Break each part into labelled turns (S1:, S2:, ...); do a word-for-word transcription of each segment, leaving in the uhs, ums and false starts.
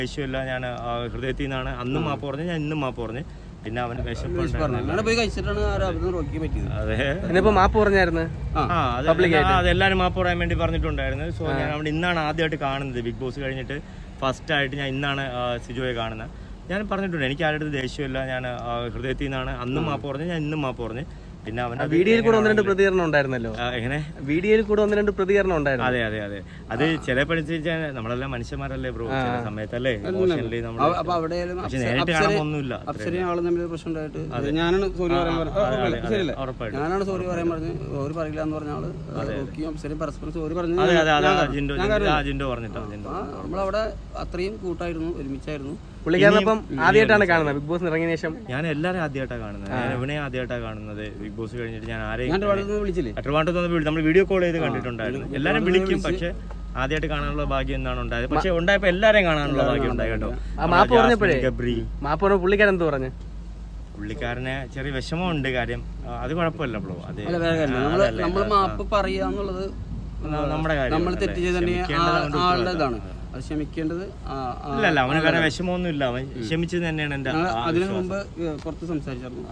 S1: ദേഷ്യമില്ല, ഞാൻ ഹൃദയത്തിൽ നിന്നാണ് അന്നും മാപ്പ് പറഞ്ഞു, ഞാൻ ഇന്നും മാപ്പ് പറഞ്ഞു. പിന്നെ അവന്
S2: അതെ മാപ്പ് പറഞ്ഞായിരുന്നു.
S1: ആ അതെല്ലാരും മാപ്പ് പറയാൻ വേണ്ടി പറഞ്ഞിട്ടുണ്ടായിരുന്നു. സോ ഞാൻ അവിടെ ഇന്നാണ് ആദ്യമായിട്ട് കാണുന്നത്. ബിഗ് ബോസ് കഴിഞ്ഞിട്ട് ഫസ്റ്റ് ആയിട്ട് ഞാൻ ഇന്നാണ് സിജോയെ കാണുന്നത്. ഞാൻ പറഞ്ഞിട്ടുണ്ട് എനിക്ക് ആരുടെ അടുത്ത് ദേഷ്യമില്ല, ഞാൻ ഹൃദയത്തിൽ നിന്നാണ് അന്നും മാപ്പ് പറഞ്ഞു, ഞാൻ ഇന്നും മാപ്പ് പറഞ്ഞു. പിന്നെ അവന്റെ
S2: വീഡിയോയിൽ കൂടെ ഒന്ന് രണ്ട് പ്രതികരണം ഉണ്ടായിരുന്നല്ലോ.
S1: എങ്ങനെ
S2: വീഡിയോയിൽ കൂടെ ഒന്ന് രണ്ട് പ്രതികരണം ഉണ്ടായിരുന്നു.
S1: അതെ അതെ അതെ അത് ചില പഠിച്ചാൽ നമ്മളെല്ലാം മനുഷ്യന്മാരല്ലേ ബ്രോ, ചില സമയത്തല്ലേ ഇമോഷണലി നമ്മൾ നേരിട്ട് കാണാനൊന്നുമില്ല.
S3: ഞാനാണ് സോറി പറയാൻ പറഞ്ഞത്, ഞാനാണ് സോറി പറയാൻ പറഞ്ഞത്. സോറി പറയില്ല എന്ന് പറഞ്ഞ ആള് അപ്സരയും പരസ്പരം സോറി പറഞ്ഞു. നമ്മളവിടെ അത്രയും കൂട്ടായിരുന്നു, ഒരുമിച്ചായിരുന്നു.
S2: പുള്ളിക്കാരനപ്പം ആദ്യമായിട്ടാണ് കാണുന്നത് ബിഗ് ബോസ് ഇറങ്ങിയ ശേഷം.
S1: ഞാൻ എല്ലാവരും ആദ്യമായിട്ടാണ് കാണുന്നത്. ഞാൻ എവിടെ ആദ്യമായിട്ടാണ് കാണുന്നത് ബിഗ് ബോസ് കഴിഞ്ഞിട്ട്. ഞാൻ ആരെയും
S3: വിളിച്ചില്ലേ,
S1: ട്രിവാൻഡ്രത്ത് നമ്മൾ വീഡിയോ കോൾ ചെയ്ത് കണ്ടിട്ടുണ്ടായിരുന്നു. എല്ലാരും വിളിക്കും, പക്ഷെ ആദ്യമായിട്ട് കാണാനുള്ള ഭാഗ്യം എന്താണ് ഉണ്ടായത്. പക്ഷെ ഉണ്ടായപ്പോ എല്ലാരെയും കാണാനുള്ള ഭാഗ്യം ഉണ്ടായി കേട്ടോ.
S2: മാപ്പ് പറഞ്ഞപ്പോഴേ മാപ്പ് പറഞ്ഞ പുള്ളിക്കാരൻ എന്ത് പറഞ്ഞു?
S1: പുള്ളിക്കാരനെ ചെറിയ വിഷമമുണ്ട് കാര്യം, അത് കുഴപ്പമില്ല ബ്രോ. അത്
S3: നമ്മൾ മാപ്പ് പറയാന്നുള്ളത്
S1: നമ്മുടെ കാര്യം,
S3: നമ്മൾ തെറ്റ് ചെയ്ത് തന്നെ ആളുടെ ഇതാണ്, അത് ക്ഷമിക്കേണ്ടത്.
S1: ഇല്ലല്ല അവന് വേറെ വിഷമമൊന്നുമില്ല, അവൻ ക്ഷമിച്ചത് തന്നെയാണ് എന്റെ.
S3: അതിനു മുമ്പ് പുറത്ത് സംസാരിച്ചായിരുന്നു.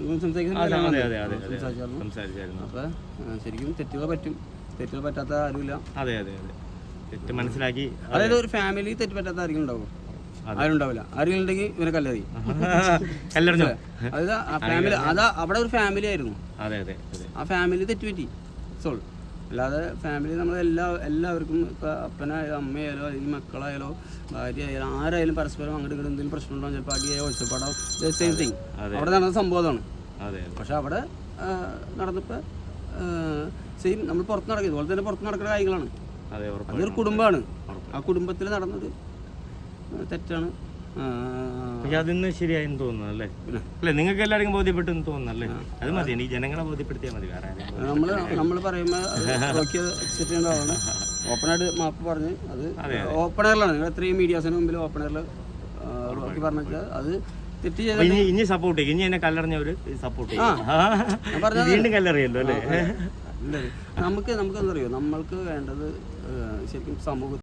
S3: അപ്പൊ ശരിക്കും തെറ്റുകൾ പറ്റും, തെറ്റുകൾ പറ്റാത്ത ആരുമില്ല.
S1: അതെ അതെ അതെ തെറ്റ് മനസ്സിലാക്കി.
S3: അതായത് ഒരു ഫാമിലി തെറ്റ് പറ്റാത്ത ആരെങ്കിലും ഉണ്ടാവും? ആരും ഉണ്ടാവില്ല. ആരെങ്കിലും ഉണ്ടെങ്കിൽ ഇവനെ കല്ലെറി
S1: കല്ലെറിഞ്ഞു.
S3: അതായത് ആ ഫാമിലി, അതാ അവിടെ ഒരു ഫാമിലി ആയിരുന്നു.
S1: അതെ അതെ
S3: ആ ഫാമിലി തെറ്റുപറ്റി സോൾ. അല്ലാതെ ഫാമിലി നമ്മൾ എല്ലാ എല്ലാവർക്കും ഇപ്പം അപ്പനായാലോ അമ്മയായാലോ അല്ലെങ്കിൽ മക്കളായാലോ ഭാര്യ ആയാലും ആരായാലും പരസ്പരം അങ്ങോട്ട് ഇങ്ങോട്ട് എന്തെങ്കിലും പ്രശ്നം ഉണ്ടാവും, ചിലപ്പോൾ അടിയായോ ഒച്ചപ്പാടോ, സെയിം തിങ് അവിടെ നടന്ന സംഭവം അതാണ്. പക്ഷെ അവിടെ നടന്നപ്പോൾ സെയിം നമ്മൾ പുറത്ത് നടക്കുക ഇതുപോലെ തന്നെ പുറത്ത് നടക്കുന്ന കാര്യങ്ങളാണ്. അതൊരു കുടുംബമാണ്, ആ കുടുംബത്തിൽ നടന്നത് തെറ്റാണ്.
S1: അതിന്ന് ശരിയായെന്ന് തോന്നുന്നു അല്ലേ? അല്ലെ നിങ്ങൾക്ക് എല്ലാവർക്കും ബോധ്യപ്പെട്ടെന്ന് തോന്നുന്നല്ലേ? അത് മതി, എനിക്ക് ജനങ്ങളെ ബോധ്യപ്പെടുത്തിയാൽ മതി. വേറെ
S3: നമ്മള് നമ്മൾ പറയുമ്പോൾ ഓപ്പണായിട്ട് മാപ്പ് പറഞ്ഞ് അത് ഓപ്പണറിലാണ്. നിങ്ങൾ എത്രയും മീഡിയാസിന് മുമ്പിൽ ഓപ്പണറിൽ പറഞ്ഞാൽ അത് തെറ്റ് ചെയ്ത്
S1: ഇനി സപ്പോർട്ട് ചെയ്യും. ഇനി എന്നെ കല്ലെറിഞ്ഞവര് സപ്പോർട്ട് ചെയ്യും. വീണ്ടും കല്ലെറിയല്ലോ അല്ലേ?
S3: നമുക്ക് നമുക്ക് എന്താ പറയുക, നമ്മൾക്ക് വേണ്ടത് ശരിക്കും സമൂഹത്തിൽ